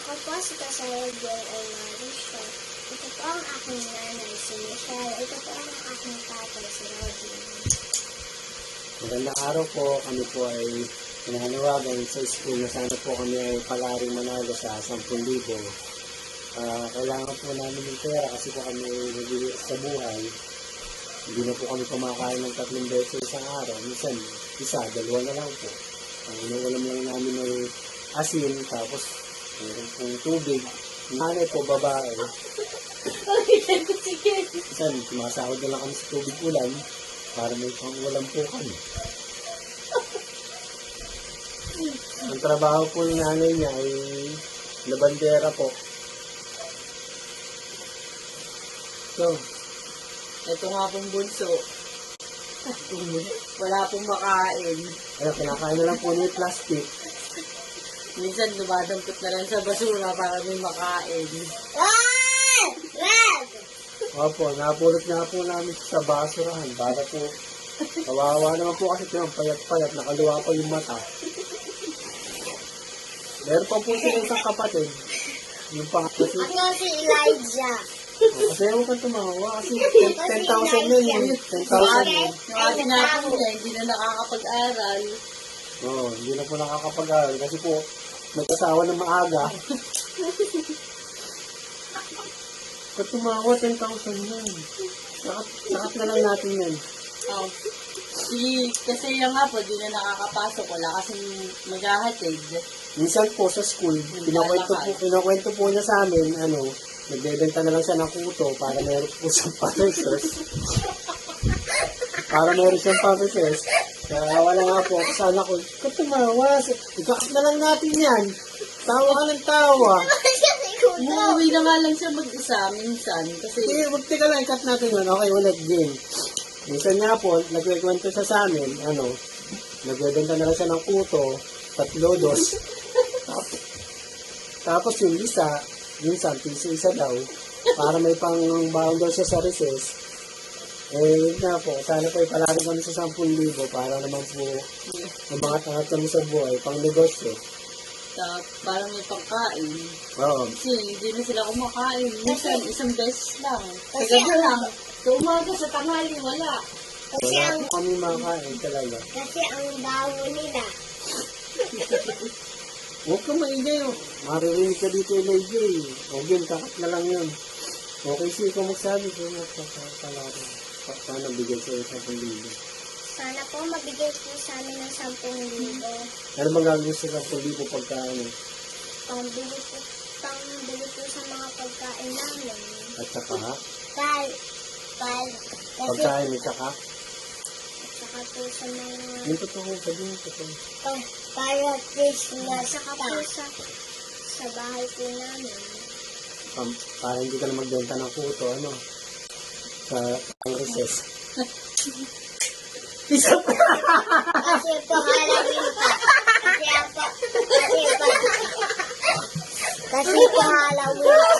Ako po si Kasaya Joy Almarisio. Ito po ang aking nanay, si Michelle. Ito po ang aking tatay, si Robin. Magandang araw po. Kami po ay pinanawagan sa school na sana po kami ay palaring manalo sa 10,000. Kailangan po namin ng pera kasi po kami nagbibigay sa buhay. Hindi na po kami kumakain ng 3 beses sa isang araw. Minsan, isa, 2 na lang po. Ang inuulam lang namin ay asin, tapos meron pong tubig. Nanay po, babae. Minsan, sumasahod na lang kami sa tubig ulan para may pang-ulam po kami. Ang trabaho po ng nanay niya ay labandera po. So, ito nga pong bunso. Wala pong makain. Kinakain na lang po niya yung plastic. Minsan dumadampot na lang sa basura para may makain. Opo, napulot nga po namin sa basurahan para po, kawawa naman po kasi ito payat-payat, nakaluwa pa yung mata. Meron pa po sila isang kapatid. Yung pangatlo si... Ako si Elijah. Kasi ewan ka tumawa kasi 10,000 yun eh. 10,000 yun. Yung ating natin niya, hindi na nakakapag-aral. Oo, hindi na po nakakapag-aral kasi po may kasawa na maaga. Kung tumawa, 10,000 yun. Sakat na lang natin yan. Oh. Kasi yung nga po, di na nakakapasok. Wala kasing maghahatid. Minsan po sa school, pinakwento po niya sa amin, nagbebenta na lang siya ng kuto para meron po siyang pampesos. Kaya wala nga po, sana ko, kung tumawa, ikakat na lang natin yan. Tawa ka ng tawa. Umuwi na nga lang siya mag-isa minsan. Kasi Wag teka lang, ikat natin yun. Okay, ulit, game. Minsan nga po, nagkikwento siya sa amin, nagbebenta na lang siya ng kuto, 3 dos. Tapos yung isa, minsan, isa daw, para may pang-baon daw siya sa recess. Yun nga po, sana po ipalari kami sa 10,000 para naman po mabangat-angat kami sa buhay, pang negosyo. parang may pangkain. Oo. Kasi hindi na sila kumakain. Minsan, isang beses lang. Sa Kasi gabi lang. Sa umaga, sa tanghali, wala. Kasi Wala ang, po kami makain talaga. kasi ang bawo nila. Huwag ka maingay. Maririnig ka dito Elijah eh. O game, kakat na lang yun. Okay, sige ikaw magsabi. Kaya magpapalari. Sana bigay sa'yo sa 10,000. Sana po mabigay po sa amin ng 10,000. Ano bang gagawin sa 10,000 pagka Pangbili po sa mga pagkain namin. At saka ha? Kasi Pagkain at saka? saka po sa mga Yung totoo, sabihin yung totoo. para Christmas. Saka po sa bahay po namin. Para hindi ka na magbenta ng kuto, sa recess. Kasi po Halloween pa. Kasi po Halloween